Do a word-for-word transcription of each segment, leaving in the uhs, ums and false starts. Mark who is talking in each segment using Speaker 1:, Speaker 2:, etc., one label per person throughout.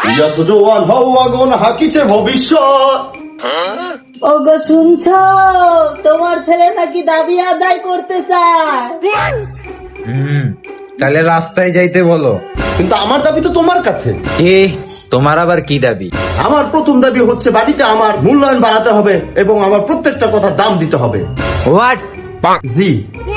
Speaker 1: ইয়াছো জোয়ান হও আগুন হাকিছে ভবিষ্যৎ।
Speaker 2: ওগো শুনছো, তোমার ছেলে নাকি দাবি আদায় করতে চায়।
Speaker 3: হুম, তাহলে রাস্তায় যাইতে বলো।
Speaker 1: কিন্তু আমার দাবি তো তোমার কাছে।
Speaker 3: এ তোমার আবার কি দাবি?
Speaker 1: আমার প্রথম দাবি হচ্ছে বাড়িতে আমার মূল্যায়ন বাড়াতে হবে এবং আমার প্রত্যেকটা কথার দাম দিতে হবে।
Speaker 3: হোয়াট?
Speaker 1: জি,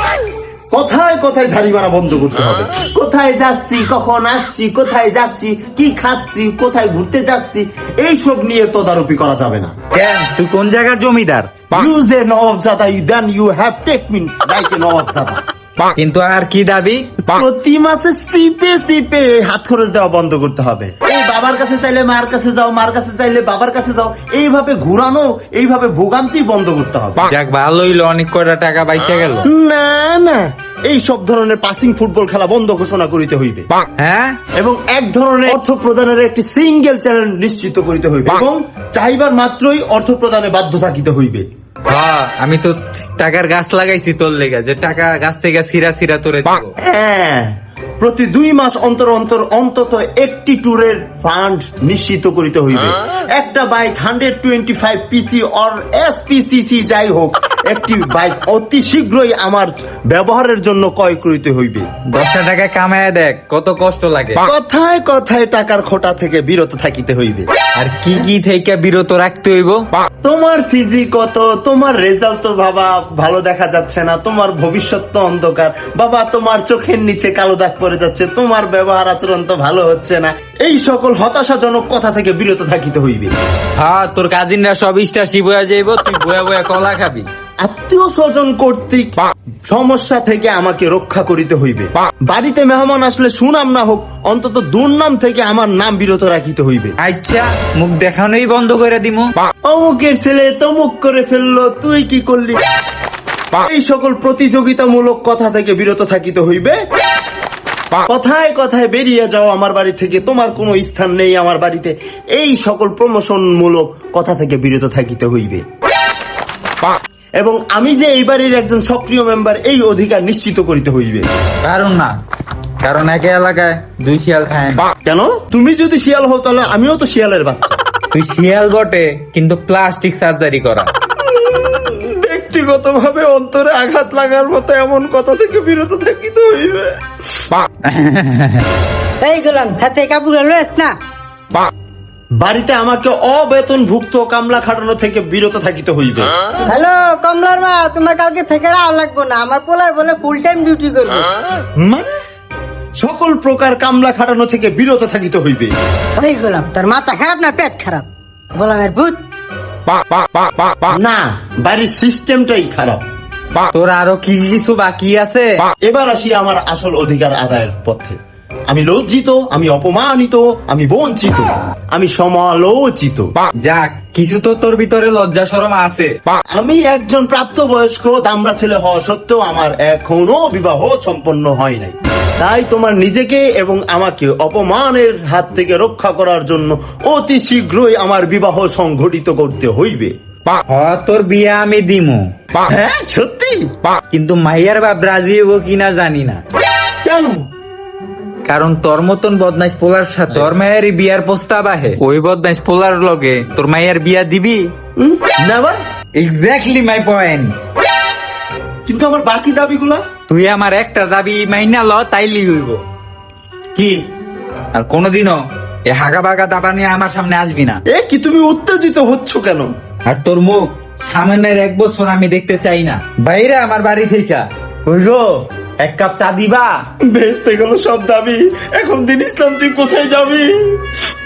Speaker 1: কথায় কথায় ঝাড়ি মারা বন্ধ করতে হবে। কোথায় যাচ্ছি, কখন আসছি, কোথায় যাচ্ছি, কি খাচ্ছি, কোথায় ঘুরতে যাচ্ছি, এইসব নিয়ে তদারকি করা যাবে না।
Speaker 3: কেন, তুই কোন জায়গার জমিদার?
Speaker 1: You যে নবাবজাদা, then you have take me like a নবাবজাদা।
Speaker 3: কিন্তু আর কি দাবি?
Speaker 1: প্রতি মাসে সিপে সিপে হাত খরচ দেওয়া বন্ধ করতে হবে। এই বাবার কাছে চাইলে মার কাছে যাও, মার কাছে চাইলে বাবার কাছে যাও, এইভাবে ঘুরানো, এইভাবে ভোগান্তি বন্ধ করতে হবে।
Speaker 3: যাক, ভালোই হলো, অনেক কয়টা টাকা বাইচা গেল।
Speaker 1: না না, এই সব ধরনের পাসিং ফুটবল খেলা বন্ধ ঘোষণা করিতে হইবে।
Speaker 3: হ্যাঁ,
Speaker 1: এবং এক ধরনের অর্থ প্রদানের একটি সিঙ্গেল চ্যানেল নিশ্চিত করিতে হইবে এবং চাইবার মাত্রই অর্থ প্রদানে বাধ্য থাকিতে হইবে।
Speaker 3: হ্যাঁ, আমি তো টাকার গাছ লাগাইছি তোর লেগে, যে টাকা গাছ থেকে সিরা সিরা তোরে দিব।
Speaker 1: হ্যাঁ, প্রতি দুই মাস অন্তর অন্তর অন্তত একটি ট্যুরের ফান্ড নিশ্চিত করিতে হইবে। একটা bike hundred twenty five PC or S PCC যাই হোক, একটি বাইক অতি শীঘ্রই আমার ব্যবহারের জন্য ক্রয় করিতে হইবে।
Speaker 3: দশটা টাকা কামায় দেখ কত কষ্ট লাগে।
Speaker 1: কথায় কথায় টাকার খোটা থেকে বিরত থাকিতে হইবে।
Speaker 3: আর কি কি থেকে বিরত রাখতে হইব?
Speaker 1: তোমার সিজি কত, তোমার রেজাল্ট তো বাবা ভালো দেখা যাচ্ছে না, তোমার ভবিষ্যৎ তো অন্ধকার বাবা, তোমার চোখের নিচে কালো দাগ পড়ে যাচ্ছে, তোমার ব্যবহার আচরণ তো ভালো হচ্ছে না, এই সকল হতাশাজনক কথা থেকে বিরত থাকিতে হইবে।
Speaker 3: হ্যাঁ, তোর কাজিনরা সব ইস্টাসি বয়া যাইব, তুই বয়া বয়া কলা খাবি।
Speaker 1: আত্মীয় স্বজন কর্তৃক সমস্যা থেকে আমাকে রক্ষা করিতে হইবে। বাড়িতে মেহমান আসলে সুনাম না হোক, অন্তত দুর্নাম থেকে আমার নাম বিরত রাখিতে হইবে।
Speaker 3: আচ্ছা, মুখ দেখানোই বন্ধ করে দিমু।
Speaker 1: অমুকের ছেলে তমুক করে ফেললো, তুই কি করলি, এই সকল প্রতিযোগিতামূলক কথা থেকে বিরত থাকিতে হইবে। কথায় কথায় বেরিয়ে যাও আমার বাড়ি থেকে, তোমার কোনো স্থান নেই আমার বাড়িতে, এই সকল প্রমোশন মূলক কথা থেকে বিরত থাকিতে হইবে। এবং আমি যে এই বাড়ির একজন সক্রিয় মেম্বার, এই অধিকার নিশ্চিত করিতে হইবে।
Speaker 3: কারণ না, কারণ একে এলাকায় দুই শিয়াল খায় না।
Speaker 1: কেন? তুমি যদি শিয়াল হও তাহলে আমিও তো শিয়ালের বাচ্চা।
Speaker 3: তুই শিয়াল বটে, কিন্তু প্লাস্টিক সার্জারি করা।
Speaker 1: ব্যক্তিগত ভাবে অন্তরে আঘাত লাগার মতো এমন কথা থেকে বিরত থাকিতে হইবে।
Speaker 2: এই গেলাম সাথে কাপড় লয়েস না।
Speaker 1: বাড়িতে আমাকে অবেতনভুক্ত কামলা খাটানো থেকে বিরত থাকিতে হইবে।
Speaker 2: হ্যালো কমলার মা, তোমার কালকে থেকে আর লাগবো না, আমার পোলায় বলে ফুল টাইম ডিউটি করবে।
Speaker 1: মানে সকল প্রকার কামলা খাটানো থেকে বিরত থাকিতে হইবে।
Speaker 2: ওই গেলাম, তোর মাথা খারাপ না পেট খারাপ? গোলামের ভূত।
Speaker 1: না, বাড়ির সিস্টেমটাই খারাপ।
Speaker 3: তোর আরো কি কিছু বাকি আছে?
Speaker 1: এবার আসি আমার আসল অধিকার আদায়ের পথে। আমি লজ্জিত, আমি অপমানিত, আমি বঞ্চিত, আমি সমালোচিত।
Speaker 3: যাক, কিছু তো তোর ভিতরে লজ্জা শরম আছে।
Speaker 1: আমি একজন প্রাপ্তবয়স্ক দামড়া ছেলে হওয়া সত্ত্বেও আমার এখনো বিবাহ সম্পন্ন হয় নাই। তাই তোমার নিজেকে এবং আমাকে অপমানের হাত থেকে রক্ষা করার জন্য অতি শীঘ্রই আমার বিবাহ সংঘটিত করতে হইবে।
Speaker 3: হ্যাঁ, তোর বিয়ে আমি দিমু।
Speaker 1: হ্যাঁ সত্যি?
Speaker 3: কিন্তু মাইয়ার বাপ রাজি হবো কিনা জানি না।
Speaker 1: কেন?
Speaker 3: কারণ তোর মতন বদমাইশ পোলার সাথে তোর মায়েরই বিয়ার প্রস্তাব আহে, ওই বদমাইশ পোলার লগে তোর মায়ের বিয়া দিবি?
Speaker 1: নেভার।
Speaker 3: Exactly my point.
Speaker 1: কিন্তু আমার বাকি দাবিগুলা?
Speaker 3: তুই আমার একটা দাবি মাইনা ল, তাইলি হইব।
Speaker 1: কি?
Speaker 3: আর কোনোদিনও এ হাগা বাগা দাবা নিয়ে আমার সামনে আসবি না।
Speaker 1: এ কি, তুমি উত্তেজিত হচ্ছ কেন?
Speaker 3: আর তোর মুখ সামনের এক বছর আমি দেখতে চাই না বাইরে আমার বাড়ি থেকে। কইরো এক কাপ চা দিবা?
Speaker 1: ভেস্তে গেল সব দাবি। এখন দিন ইসলাম তুই কোথায় যাবি?